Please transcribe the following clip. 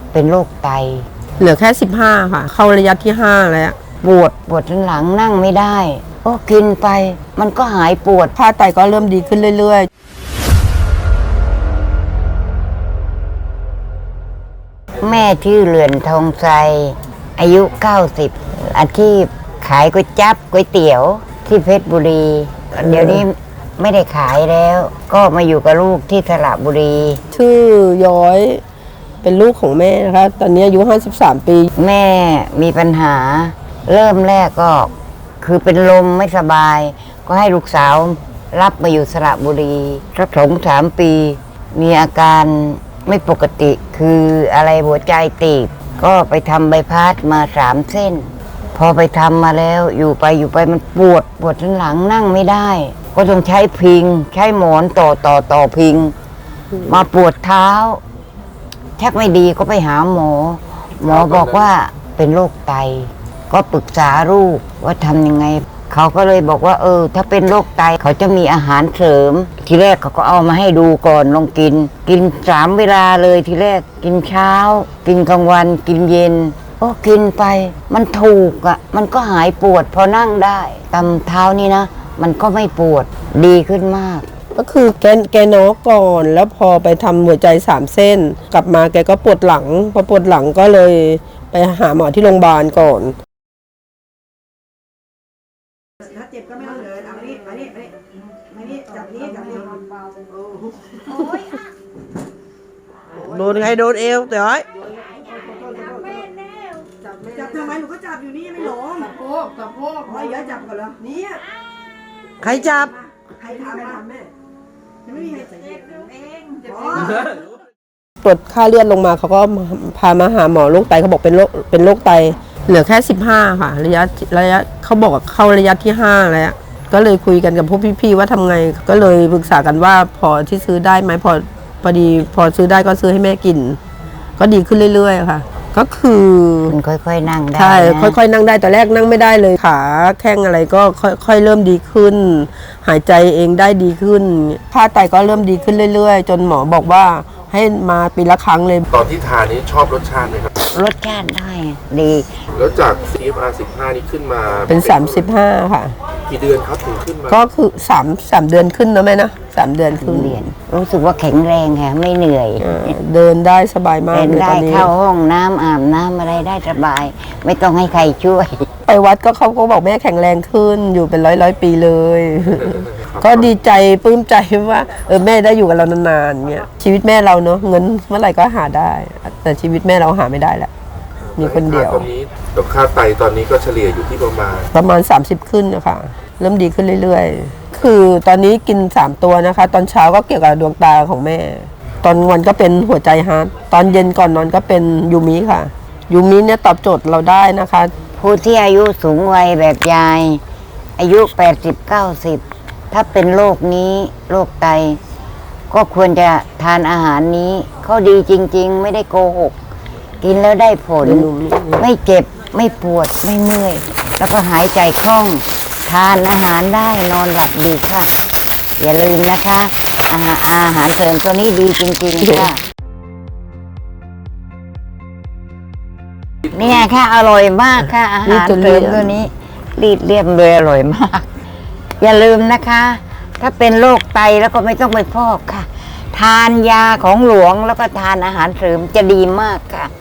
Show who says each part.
Speaker 1: เป็นโรคไต
Speaker 2: เหลือแค่15ค่ะเข้าระยะที่5แล้ว
Speaker 1: ปวดหลังนั่งไม่ได้ก็กินไปมันก็หายปวด
Speaker 2: ค่าไตก็เริ่มดีขึ้นเรื่อย
Speaker 1: ๆแม่ชื่อเรือนทองไทรอายุ90อาชีพขายก๋วยจั๊บก๋วยเตี๋ยวที่เพชรบุรีเดี๋ยวนี้ไม่ได้ขายแล้วก็มาอยู่กับลูกที่สระบุรี
Speaker 2: ชื่อย้อยเป็นลูกของแม่นะคะตอนนี้อายุ53ปี
Speaker 1: แม่มีปัญหาเริ่มแรกก็คือเป็นลมไม่สบายก็ให้ลูกสาวรับมาอยู่สระบุรีสัก2-3 ปีมีอาการไม่ปกติคืออะไรหัวใจตีบก็ไปทำใบพัดมา3 เส้นพอไปทำมาแล้วอยู่ไปมันปวดทั้งหลังนั่งไม่ได้ก็ต้องใช้พิงใช้หมอนต่อพิงมาปวดเท้าชักไม่ดีก็ไปหาหมอบอกว่าเป็นโรคไตก็ปรึกษาลูกว่าทำยังไงเขาก็เลยบอกว่าถ้าเป็นโรคไตเขาจะมีอาหารเสริมทีแรกเขาก็เอามาให้ดูก่อนลองกิน3 เวลาเลยทีแรกกินเช้ากินกลางวันกินเย็นก็กินไปมันถูกมันก็หายปวดพอนั่งได้ตำเท้านี่นะมันก็ไม่ปวดดีขึ้นมาก
Speaker 2: ก็คือแกน็อกก่อนแล้วพอไปทำหัวใจ3 เส้นกลับมาแกก็ปวดหลังพอปวดหลังก็เลยไปหาหมอที่โรงพยาบาลก่อน
Speaker 3: ถ้าเจ็บก็ไม่ต้องเดินเอามานี่จับนี้
Speaker 4: โดนใครโดนเอวเดี๋ยว
Speaker 3: จับทำไมหนูก็จับอยู่นี่ไม่หลงสะโพกอ๋ออย่าจับก่อนเหรอนี่
Speaker 4: ใครจับ
Speaker 3: ใครทำแม่ยังไม่มีใครเจ็บเอง
Speaker 2: ตรวจค่าเลือดลงมาเขาก็พามาหาหมอโรคไตเขาบอกเป็นโรคไตเหลือแค่15ค่ะระยะเขาบอกว่าเข้าระยะที่5แล้วก็เลยคุยกันกับพวกพี่ๆว่าทำไงก็เลยปรึกษากันว่าพอที่ซื้อได้ไหมพอดีพอซื้อได้ก็ซื้อให้แม่กินก็ดีขึ้นเรื่อยๆค่ะก็คือ
Speaker 1: ค่อยๆนั่งได้
Speaker 2: ใช่ค่อยๆนั่งได้แต่แรกนั่งไม่ได้เลยขาแข้งอะไรก็ค่อยๆเริ่มดีขึ้นหายใจเองได้ดีขึ้นค่าไตก็เริ่มดีขึ้นเรื่อยๆจนหมอบอกว่าให้มาปีละครั้งเลย
Speaker 5: ตอนที่ทานนี้ชอบรสชาติไหมครับ
Speaker 1: รสชาติได้ดี
Speaker 5: แล้วจาก CFR 15นี่ขึ้นมา
Speaker 2: เป็น35ค่ะ
Speaker 5: กี่เดือนครับถึงขึ้นมา
Speaker 2: ก็คือ3 เดือนขึ้นนะแม่นะ3 เดือนขึ้น
Speaker 1: รู้สึกว่าแข็งแรงค่ะไม่เหนื่อย
Speaker 2: เดินได้สบายมากเลย
Speaker 1: ตอนนี้เข้าห้องน้ำอาบน้ำอะไรได้สบายไม่ต้องให้ใครช่วย
Speaker 2: ไปวัดก็เขาก็บอกแม่แข็งแรงขึ้นอยู่เป็นร้อยปีเลยก็ดีใจปลื้มใจว่าแม่ได้อยู่กับเรานานๆเนี่ยชีวิตแม่เราเนอะเงินเมื่อไหร่ก็หาได้แต่ชีวิตแม่เราหาไม่ได้แหละมีคนเดียว
Speaker 5: ตอนนี้กับค่าไตตอนนี้ก็เฉลี่ยอยู่ที่ประมาณ
Speaker 2: 30ขึ้นนะคะเริ่มดีขึ้นเรื่อยๆคือตอนนี้กิน3 ตัวนะคะตอนเช้าก็เกี่ยวกับดวงตาของแม่ตอนวันก็เป็นหัวใจฮาร์ทตอนเย็นก่อนนอนก็เป็นยูมิค่ะยูมิเนี่ยตอบโจทย์เราได้นะคะ
Speaker 1: ผู้ที่อายุสูงวัยแบบยายอายุ80-90ถ้าเป็นโรคนี้โรคไตก็ควรจะทานอาหารนี้เขาดีจริงๆไม่ได้โกหกกินแล้วได้ผลไม่เจ็บไม่ปวดไม่เมื่อยแล้วก็หายใจคล่องทานอาหารได้นอนหลับดีค่ะอย่าลืมนะคะอาหารเสริมตัวนี้ดีจริงๆค่ะเนี่ยค่ะอร่อยมากค่ะอาหารเสริมตัวนี้รีดเรียบเลยอร่อยมากอย่าลืมนะคะถ้าเป็นโรคไตแล้วก็ไม่ต้องไปฟอกค่ะทานยาของหลวงแล้วก็ทานอาหารเสริมจะดีมากค่ะ